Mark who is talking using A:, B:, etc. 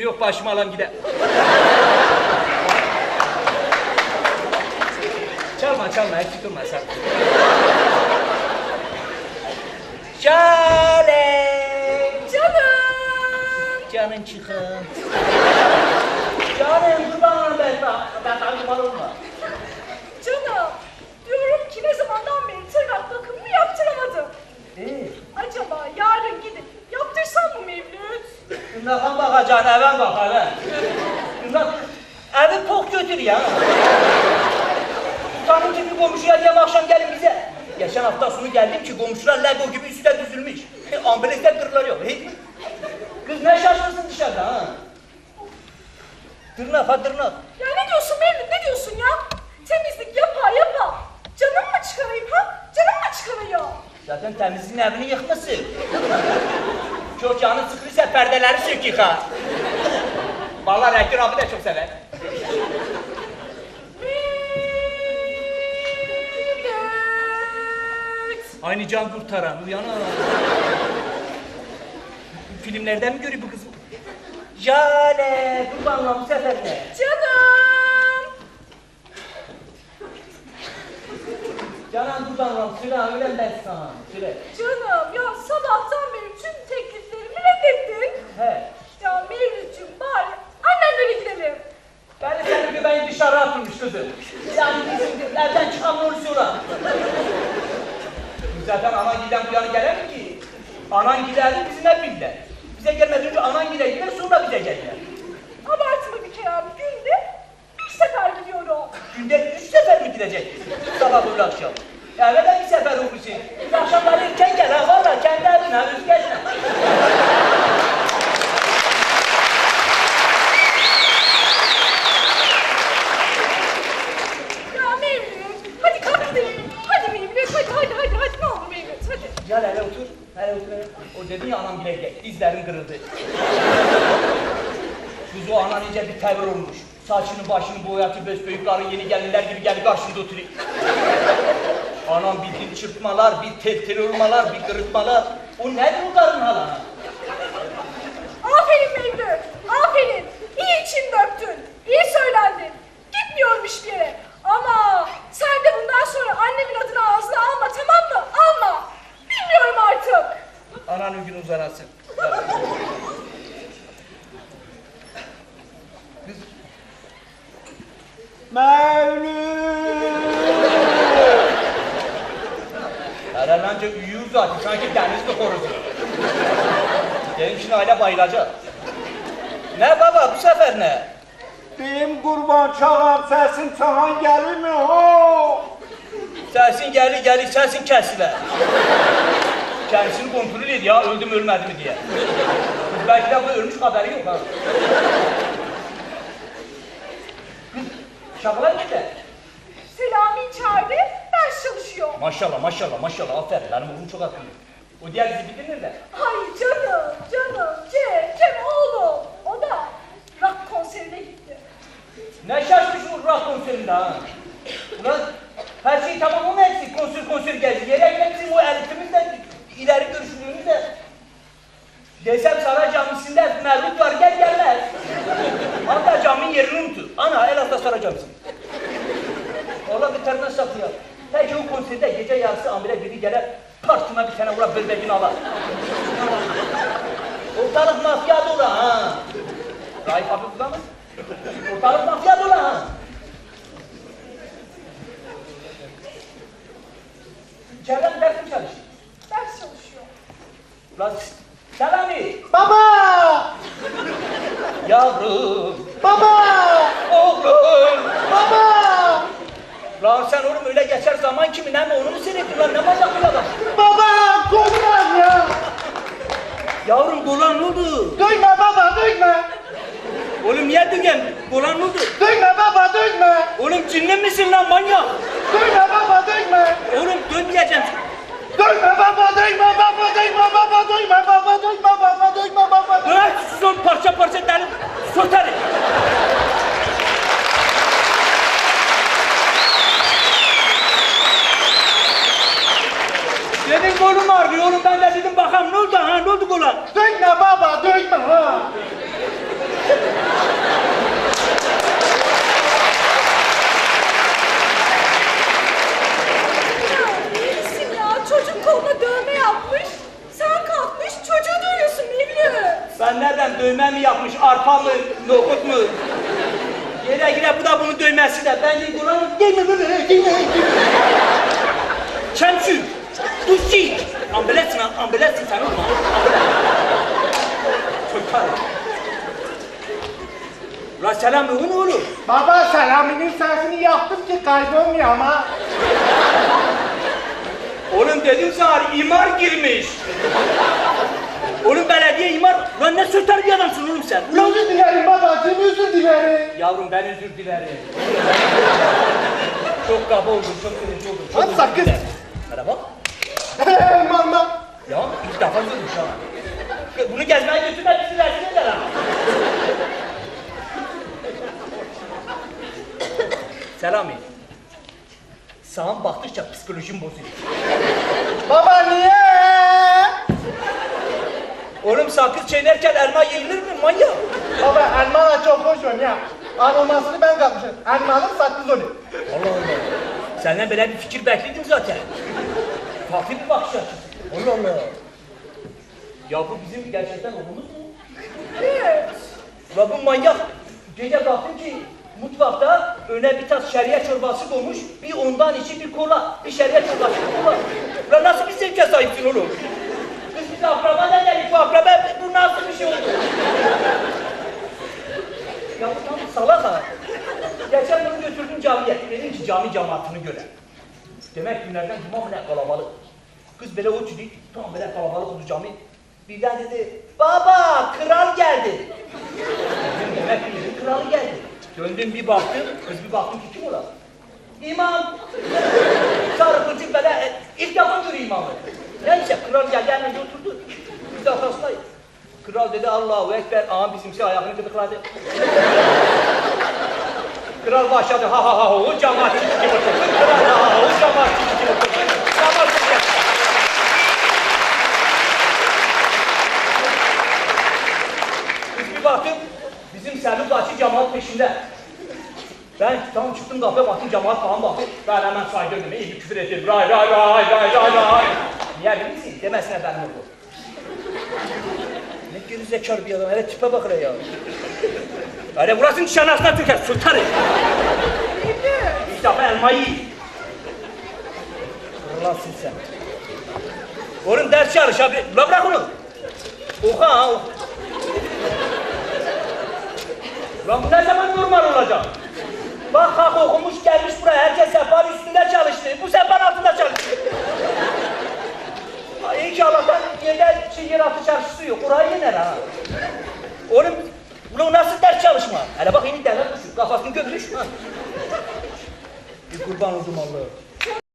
A: Yok başıma alan gider. Çalma eksik durma sen. Jale. Canın çıkın. Canım kurbanım ben tanımalı olma.
B: Canım, diyorum ki ne zamandan beri tırnak bakımını yaptıramadım. Acaba yarın gidip yaptırsam mı Mevlüt?
A: Bundan bakacaksın, eve bak eve. Bundan evi pok götür ya. Tutanın gibi komşuya diyem akşam gelin bize. Geçen hafta sonu geldim ki komşular Lego gibi üstüne düzülmüş. Ambulesler kırıklar yok. Kız ne şaşırsın dışarıda ha? Tırnak ha tırnak.
B: Ya ne diyorsun Mevlüt, ne diyorsun ya? Temizlik yapa. Canım mı çıkarayım ha? Canım mı çıkarıyor?
A: Zaten temizliğin evini yıkmışsın. Çok canı sıkılırsa perdeleri sök yıka. Vallahi rektör abi de çok sever. Aynı can kurtaran, uyanır. Filmlerden mi görüyor bu kız? Jale, kurbanla bu sefer ne?
B: Canım!
A: Canan kurbanla, süre öyle ben sana, süre.
B: Canım, ya sabahtan beri tüm tekliflerimi reddettin.
A: He.
B: Ya Mevlüt'cüğüm bari annenlere gidelim.
A: Ben de senin gibi beni dışarı atılmış kızım. Yani bizim evden çıkan onu sonra. Zaten anan giden bu yana gelir mi ki? Anan giderdi bizimle birler. Bize gelmeden önce anan gider sonra bize gelirler.
B: Abartma bir kere abi, günde bir sefer gidiyorum.
A: Günde 3 sefer mi gidecek? Sabah öğle akşam. Eve de bir sefer olursun. Akşamları erken gel ha valla kendi evine ha üst gezme.
B: Ya Mevlüt, hadi kalk gidelim. Hadi Mevlüt, hadi ne olur Mevlüt, hadi.
A: Gel hele otur. Hele otur hele. O dedin ya anam bile gel. Dizlerin kırıldı. Kız o anan iyice bir tavır olmuş. Saçını başını boyatı büyüklerin yeni gelinler gibi geldi karşımda oturuyor. Anam bir dil çırpmalar, bir tel olmalar, bir kırıtmalar. O nedir o karın halana?
B: Aferin Mevlüt, aferin. İyi için döktün, iyi söylendin. Gitmiyorum hiçbir yere. Ama sen de bundan sonra annemin adını ağzına alma, tamam mı? Alma. Bilmiyorum artık.
A: Ananın günü uzanasın.
C: Mevlüt!
A: Herhalde uyuyor zaten, sanki denizli horozu. Benim şimdi aile bayılacak. Ne baba, bu sefer ne?
C: Deyim kurban çağam sesin çağan gelir mi ho?
A: Sesin gelir, sesin kesilir. Kendisini kontrol et ya, öldü mü ölmedi mi diye. Belki de bu ölmüş haberi yok ha. Kız, şakalar gitti.
B: Selami içeride, ders çalışıyor.
A: Maşallah, aferin. Benim oğlum çok akıllı. O diğer dizi bitti nerede?
B: Ay canım, Cem oğlum. O da rock konserine gitti.
A: Ne şaşmış bu rock konserinde ha? Ulan her şey tamam ama eksik, konser geldi. Yere gitmemizin o elitimiz de, ileri görüşlülüğümüz de. Desem Saray Camisi'nde Mevlüt var, gelmez. Hatta caminin yerini unutur. Ana, el hasta Saray Camisi. Ola bir termine saklıyor. Peki o konserde gece yarısı amire biri gelir, partına bir tane vurar, böbreğini alır. Ortalık mafya dolu ha. Raif abi burada mı? Ortalık mafya dolu ha. İçeriden ders mi çalışıyor?
B: Ders çalışıyor.
A: Ulan Selami!
C: Baba!
A: Yavrum!
C: Baba!
A: Oğlum!
C: Baba!
A: Lan sen oğlum öyle geçer zaman kimin hem onu mu seyrettin lan, ne manyak bir adam?
C: Baba! Kurban ya!
A: Yavrum Golan ne oldu?
C: Duyma baba duyma!
A: Oğlum niye düğün? Golan ne oldu?
C: Duyma baba duyma!
A: Oğlum cinli misin lan manyak?
C: Duyma baba duyma!
A: Oğlum dönmeyeceğim.
C: Duyma baba duyma baba duyma baba duyma baba duyma baba duyma baba duyma!
A: Bırak son parça derim, sotarım. Dedim kolum ağrıyor oğlum, ben de dedim bakalım ne oldu ha, ne oldu Golan?
C: Duyma baba duyma ha!
B: İyisin ya, çocuk koluna dövme yapmış. Sen kalkmış çocuğu dövüyorsun Mevlüt.
A: Ben nereden dövme mi yapmış, arpa mı, nohut mu? Yere gire bu da bunun dövmesi de. Ben de buranın değil mi böyle? Değil mi? Çemçü, duşçi. Ambulansın sen olma. Çocuklar. La selam ne olur?
C: Baba Selami'nin sesini yaptım ki kaybolmuyor ama.
A: Oğlum dedim sana imar girmiş. Oğlum belediye imar. Lan ne söter bir adamsın oğlum sen. Ulan
C: Özür dilerim babacığım, özür dilerim.
A: yavrum ben özür dilerim. Çok kaba oldum, çok kırıcı oldum. Çok
C: Hadi
A: özür
C: sakın.
A: dilerim. Merhaba.
C: Mama.
A: Ya ilk defa görmüş ha. Bunu gezmeye götürme bizi rezil eder ha. Selami. Sağım baktıkça psikolojim bozuluyor.
C: Baba niye?
A: Oğlum sakız çiğnerken elma yenilir mi manyak?
C: Baba elmalar çok hoş ya. Aromasını ben kapmışım. Elmalık sakız oluyor.
A: Allah Allah. Senden böyle bir fikir bekledim zaten. Farklı bir bakış açısı. Allah Allah. Ya bu bizim gerçekten oğlumuz mu?
B: Evet.
A: Ulan bu manyak. Gece baktım ki mutfakta öne bir tas şeriye çorbası koymuş. Bir ondan içi bir kola. Bir şeriye çorbası bir kola. Ulan nasıl bir zevke sahipsin oğlum? Kız bize akraba ne dedik bu akraba? Bu nasıl bir şey oldu? Ya bu tam salak ha. Geçen bunu götürdüm camiye. Dedim ki cami cemaatini göre. Demek günlerden cuma bile kalabalık. Kız böyle uçtu, tam böyle kalabalık oldu cami. Birden dedi, baba kral geldi. Dedim demek ki dedim, kralı geldi. Döndüm bir baktım, kız bir baktım ki kim ola? İmam. Sarı kılcık böyle, ilk defa görüyor imamı. Neyse kral geldi, hemen oturdu. Biz de arkasındayız. Kral dedi Allahu Ekber, ağam bizimse ayağını gıdıkladı. Kral başladı, ha ha ha, o cemaat gibi oturdu. Kral ha ha, o cemaat gibi oturdu. Cemaat gibi. Biz bir baktım, bizim Selvi Bahçı cemaat peşinde. Ben tam çıktım kapıya baktım, cemaat falan baktım. Ben hemen saydırdım, iyi bir küfür ettim. Ray ray ray ray ray ray. Niye bilir misin? Demesine ben oldu. Ne gerizekalı bir adam, hele tipe bak hele ya. Öyle burasının nişanasına tüker, sultanı. İlk defa elmayı yiyin. Allah'sın sen. Oğlum ders çalış abi, la bırak onu. Oku ha, oku. Lan bu ne zaman normal olacak? Bak kalk okumuş gelmiş buraya, herkes sehpanın üstünde çalıştı. Bu sehpanın altında çalıştı. İyi ki Allah'tan yer altı çarşısı yok, orayı yener ha. Oğlum, ulan nasıl ders çalışma? Hele bak yeni derler kuşu, kafasını gömmüş. Bir kurban oldum Allah'a.